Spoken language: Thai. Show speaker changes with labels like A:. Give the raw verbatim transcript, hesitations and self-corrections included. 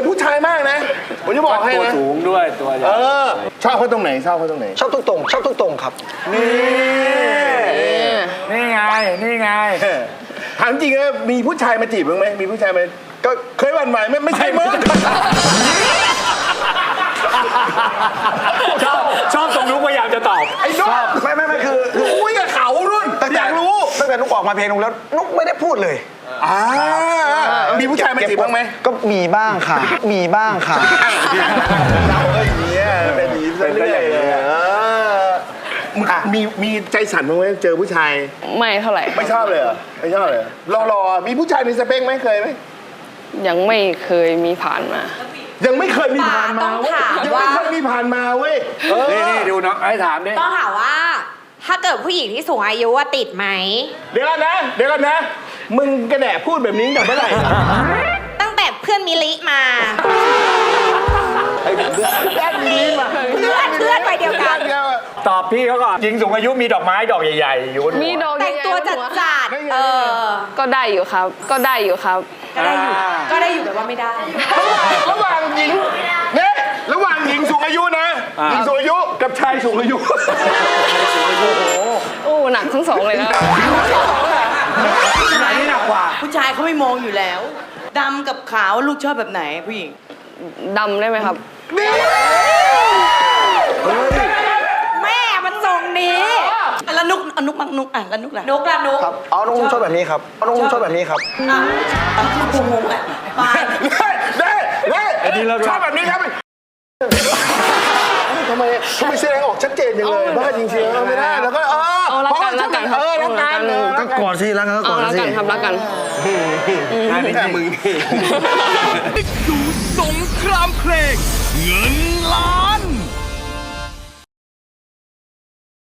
A: อนผู้ชายมากนะผมจะบอกให้นะตัว
B: สูงด้วยตัวใหญ่
A: เออชอบเขาตรงไหนชอบเขาตรงไหน
C: ชอบทุกตรงชอบทุกตรงครับ
A: นี่
B: นี่ไงนี่ไง
A: ถามจริงนะมีผู้ชายมาจีบมึงไหมมีผู้ชายมาก็เคยหวั่นไหวไหมไม่ใช่มึง
B: ชอบชอบตรงนุ๊กพยายามจะตอบ
A: ไอ้นุ๊ก
C: ไม่ไม่ไม่คือ
A: คุยกับเขารุ่นอยากรู้
C: ตั้งแต่นุ๊กออกมาเพลงนุ๊กแล้วนุ๊กไม่ได้พูดเลย
A: อ่ามีผู้ชายมาจีบบ้างไหม
C: ก็มีบ้างค่ะมีบ้างค่ะ
A: เราก็อย่างนี้เป็นอย่างนี้เรื่อยๆมีมีใจสั่นบ้างไหมเจอผู้ชาย
D: ไม่เท่าไหร่
A: ไม่ชอบเลยเหรอไม่ชอบเลยรอรอมีผู้ชายในสเปคไหมเคยไหม
D: ยังไม่เคยมีผ่านมา
A: ยังไม่เคยมีผ่านมาเว้ยยังไม่เคยมีผ่านมาเว้ย
B: นี่นี่ดูน้องไอ้ถามดิ
E: ต้องถามว่าถ้าเกิดผู้หญิงที่สูงอายุว่าติดไหม
A: เดี๋ยวกันนะเดี๋ยวกันนะมึงกระแดะพูดแบบนี้ตั้งแต่เมื่อไหร่
E: ตั้งแต่เพื่อนมิลิมา
A: เพื่อนมิลิมา
E: เพื่อนเพื่อนไปเดียวกัน
B: ตอบพี่เขาก่อนหญิงสูงอายุมีดอกไม้ดอกใหญ่ๆอยู่
D: มีดอก
E: แต่งตัวจัดจัดเออ
D: ก็ได้อยู่ครับก็ได้อยู่ครับ
E: ก็ได้อยู่ก็ได้อยู่แบบว่าไม่ได้
A: ระหว่างหญิงเนี่ยระหว่างหญิงสูงอายุนะหญิงสูงอายุกับชายสูงอายุ
D: โอ้หนักทั้งสองเลยนะ
B: ไหนนี่หนักกว่า
F: ผู้ชายเขาไม่มองอยู่แล้วดำกับขาวลูกชอบแบบไหนผู้หญิง
D: ดำได้ไหมครับ
E: แม่มันทรงนี้
F: แล้วนุกอนุกมักนุกอ่ะแล้วนุกล่ะ
E: นุกละนุก
C: ครับเอานุกชอบแบบนี้ครับเอานุกชอบแบบนี้ครับ
F: อ่ะกูงงอ่ะไป
A: เด้เด้ชอบแบบนี้ครับทำไมทำไมแสดงออกชัดเจนอย่างเลยบ้าจริงๆไม่ได้แล้วก็เออ
D: รักกันรักกันครับ
A: เออรักกัน
C: ก็กอดสิรักกันก็กอดสิ
D: รักกันครับรักกัน
A: นี่แค่มึงนี่
G: ดูสงครามเพลงเงิน